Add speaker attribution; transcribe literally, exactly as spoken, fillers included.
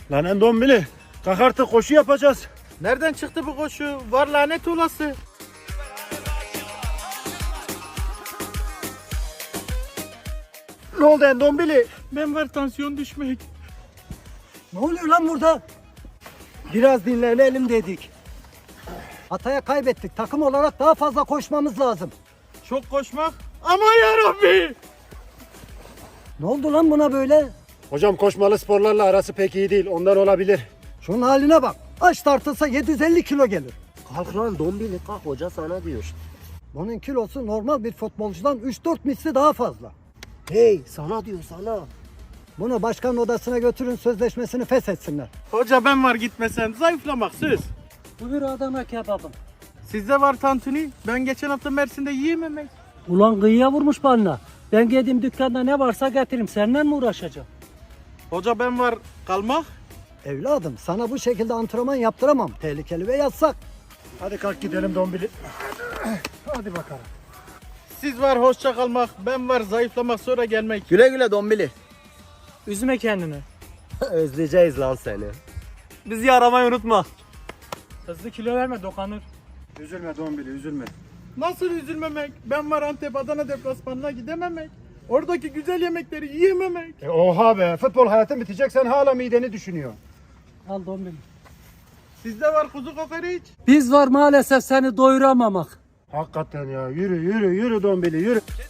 Speaker 1: Lan Endombili, kalk artık koşu yapacağız.
Speaker 2: Nereden çıktı bu koşu? Var lanet olası.
Speaker 1: Ne oldu Endombili?
Speaker 2: Ben var tansiyon düşmek.
Speaker 3: Ne oluyor lan burada? Biraz dinlenelim dedik. Hataya kaybettik. Takım olarak daha fazla koşmamız lazım.
Speaker 2: Çok koşmak. Ama yarabbi.
Speaker 3: Ne oldu lan buna böyle?
Speaker 1: Hocam koşmalı sporlarla arası pek iyi değil. Ondan olabilir.
Speaker 3: Şunun haline bak. Aç tartılsa yedi yüz elli kilo gelir.
Speaker 4: Kalk lan Dombili kalk, hoca sana diyor.
Speaker 3: Bunun kilosu normal bir futbolcudan üç dört misli daha fazla.
Speaker 4: Hey sana diyor sana.
Speaker 3: Bunu başkan odasına götürün, sözleşmesini feshetsinler.
Speaker 2: Hoca ben var gitmesen zayıflamak söz.
Speaker 3: Buyur Adana kebabım.
Speaker 2: Sizde var tantuni. Ben geçen hafta Mersin'de yiyememek.
Speaker 5: Ulan kıyıya vurmuş balına. Ben geldiğim dükkanda ne varsa getiririm. Seninle mi uğraşacağım?
Speaker 2: Hoca ben var kalmak.
Speaker 3: Evladım sana bu şekilde antrenman yaptıramam. Tehlikeli ve yasak.
Speaker 1: Hadi kalk gidelim Dombili. Hadi bakalım.
Speaker 2: Siz var hoşça kalmak. Ben var zayıflamak sonra gelmek.
Speaker 4: Güle güle Dombili.
Speaker 5: Üzme kendini.
Speaker 4: Özleyeceğiz lan seni.
Speaker 5: Bizi aramayı unutma. Hızlı kilo verme, dokanır.
Speaker 1: Üzülme Dombili, üzülme.
Speaker 2: Nasıl üzülmemek? Ben var Antep Adana deplasmanına gidememek. Oradaki güzel yemekleri yiyememek.
Speaker 1: E oha be, futbol hayatın bitecek, sen hala mideni düşünüyor.
Speaker 5: Al dombili.
Speaker 2: Sizde var kuzu kokoreç.
Speaker 5: Biz var maalesef seni doyuramamak.
Speaker 1: Hakikaten ya, yürü yürü yürü Dombili yürü.